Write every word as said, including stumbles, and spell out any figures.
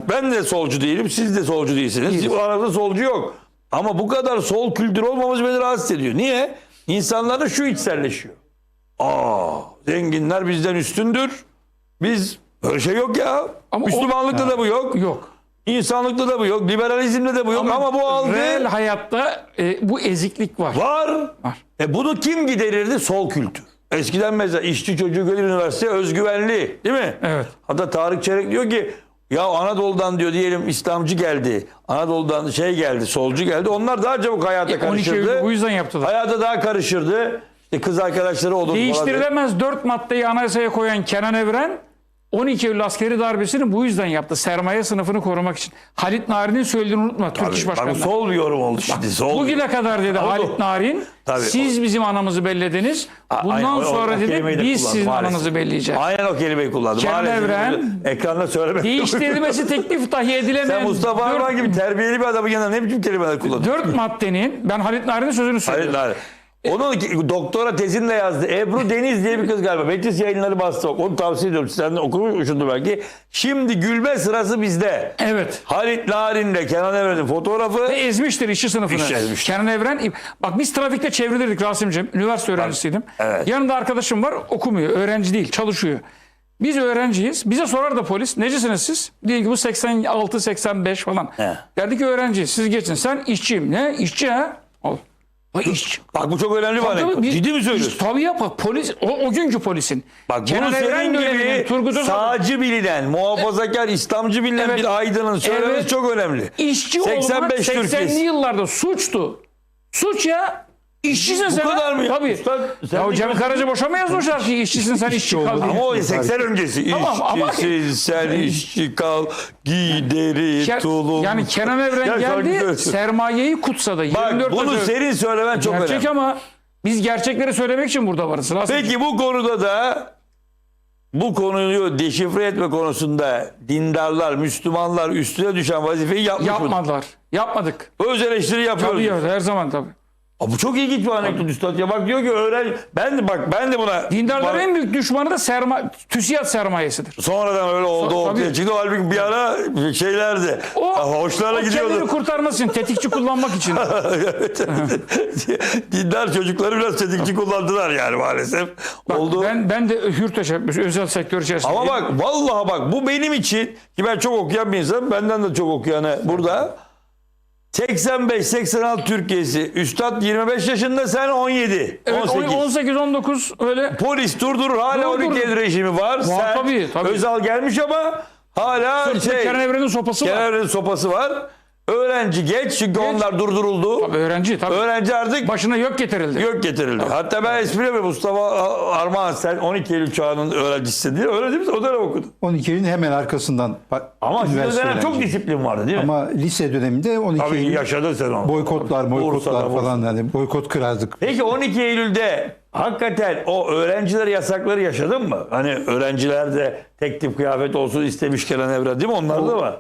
ben de solcu değilim, siz de solcu değilsiniz. Değiliz. Arada solcu yok. Ama bu kadar sol kültür olmamız beni rahatsız ediyor. Niye? İnsanlarda şu içselleşiyor. Aa, zenginler bizden üstündür. Biz böyle şey yok ya. Ama Müslümanlıkta o- da bu yok. Yok. İnsanlıkta da bu yok. Liberalizmde de bu yok. Ama, bu algı Reel hayatta e, bu eziklik var. var. Var. E bunu kim giderirdi? Sol kültür. Eskiden mesela işçi çocuğu gelir üniversiteye özgüvenli, değil mi? Evet. Hatta Tarık Çelik diyor ki ya Anadolu'dan diyor diyelim İslamcı geldi. Anadolu'dan şey geldi, solcu geldi. Onlar daha çabuk hayata E, on iki Eylül karışırdı. bu yüzden yaptılar. Hayata daha karışırdı. İşte kız arkadaşları olur falan. Değiştirilemez dört maddeyi anayasaya koyan Kenan Evren on iki Eylül askeri darbesini bu yüzden yaptı. Sermaye sınıfını korumak için. Halit Narin'in söylediğini unutma. Türk İş Bak bu Başkanı. sol bir yorum oldu şimdi. Sol. Bugüne kadar dedi Oldu. Halit Narin, Tabii. siz bizim anamızı bellediniz. A- Bundan aynen, o- sonra o dedi kelimeyi de biz kullandı sizin maalesef. ananızı belleyeceğiz. Aynen o kelimeyi kullandı. Kenan Maalesef Evren, ekranda söylemek. Değiştirilmesi teklif dahi edilemeyen Sen Mustafa dört- Arman gibi terbiyeli bir adamın yanında ne biçim kelimeler kullanıyorsun? dört maddenin, ben Halit Narin'in sözünü Hayır, söylüyorum. hayır. Onu ki- doktora tezinde yazdı. Ebru Deniz diye bir kız galiba. Metis Yayınları bastı. Onu tavsiye ediyorum. Sen de okumuşsundur belki. Şimdi gülme sırası bizde. Evet. Halit Narin'le Kenan Evren'in fotoğrafı. Ve ezmiştir işçi sınıfını. İşçi ezmiştir. Kenan Evren, bak biz trafikte çevrilirdik Rasim'ciğim. Üniversite öğrencisiydim. Evet. Yanında arkadaşım var, okumuyor. Öğrenci değil, çalışıyor. Biz öğrenciyiz. Bize sorar da polis, necisiniz siz? Diyor ki bu seksen altı seksen beş falan. He. Derdi ki öğrenciyiz, siz geçin. Sen işçiyim. Ne? İşçi ha? Al. Ha, işçi. Bak bu çok önemli bir Tabii, anekdot. bir- Ciddi mi söylüyorsun? iş- Tabii ya bak polis, o, o günkü polisin. Bak Kenan bunu Evren senin döneminin gibi Turgut Özal- sağcı bilinen, muhafazakar, İslamcı bilinen Evet. bir aydının söylemesi Evet. çok önemli. İşçi seksen olmak beş seksenli Türkiye'si. yıllarda suçtu. Suç ya. İşçisin sen. kadar ha. mı ya? Tabii. Usta, sen Ya de Cem diyorsun. Karaca boşa mı yazmış şarkıyı? İşçisin sen işçi kal diye. Ama o seksen öncesi. Tamam, ama- İşçisin sen işçi kal gideri Ke- tulum. yani Kenan Evren Ya şarkı geldi, söylüyorsun. sermayeyi kutsadı. Bak yirmi dört bunu Ocak- senin söylemen çok Gerçek önemli. ama biz gerçekleri söylemek için burada varız. Rasim. Peki bu konuda da bu konuyu deşifre etme konusunda dindarlar, Müslümanlar üstüne düşen vazifeyi yapmış mıdır? Yapmadılar. Yapmadık. Öz eleştiri yapıyoruz. Tabii ya, her zaman tabii. Aa, bu çok ilginç bir anekdot üstad ya. Bak diyor ki öğren ben de bak ben de buna Dindarların bak- en büyük düşmanı da serma, TÜSİAD sermayesidir. sonradan öyle oldu So- ortaya tabii. çıktı. Halbuki bir ara şeylerdi. O, Aa, hoşlarına o kendini gidiyordu. kurtarması için, tetikçi kullanmak için. Evet. Dindar çocukları biraz tetikçi kullandılar yani maalesef. Bak, oldu. Ben, ben de hürteş özel sektör içerisinde. Ama bak vallahi bak bu benim için ki ben çok okuyan bir insanım. Benden de çok okuyanı burada. seksen beş seksen altı Türkiye'si. Üstad yirmi beş yaşında, sen on yedi. Evet, on sekiz. on sekiz on dokuz öyle. Polis durdurur, hala Durdurur. on iki Eylül rejimi var. Sen, tabii, tabii. Özal gelmiş ama hala Sırtında şey Kenan Evren'in sopası var. Kenan Evren'in sopası var. Öğrenci geç çünkü onlar durduruldu. Tabii, öğrenci tabii. Öğrenci artık Başına yok getirildi. yok getirildi. Hatta ben espri yapıyorum. Mustafa Armağan sen on iki Eylül çağının öğrencisi diye. Öyle değil mi? O dönem okudun. on iki Eylül'ün hemen arkasından pa- Ama sizin üniversite dönem çok öğrenci. disiplin vardı değil mi? Ama lise döneminde on iki Tabii Eylül yaşadın sen onu. boykotlar, boykotlar Bursa'da, falan yani boykot kırardık. Peki on iki Eylül'de hakikaten o öğrenciler yasakları yaşadın mı? Hani öğrenciler de tek tip kıyafet olsun istemiş Kenan Evren değil mi? Onlar da var.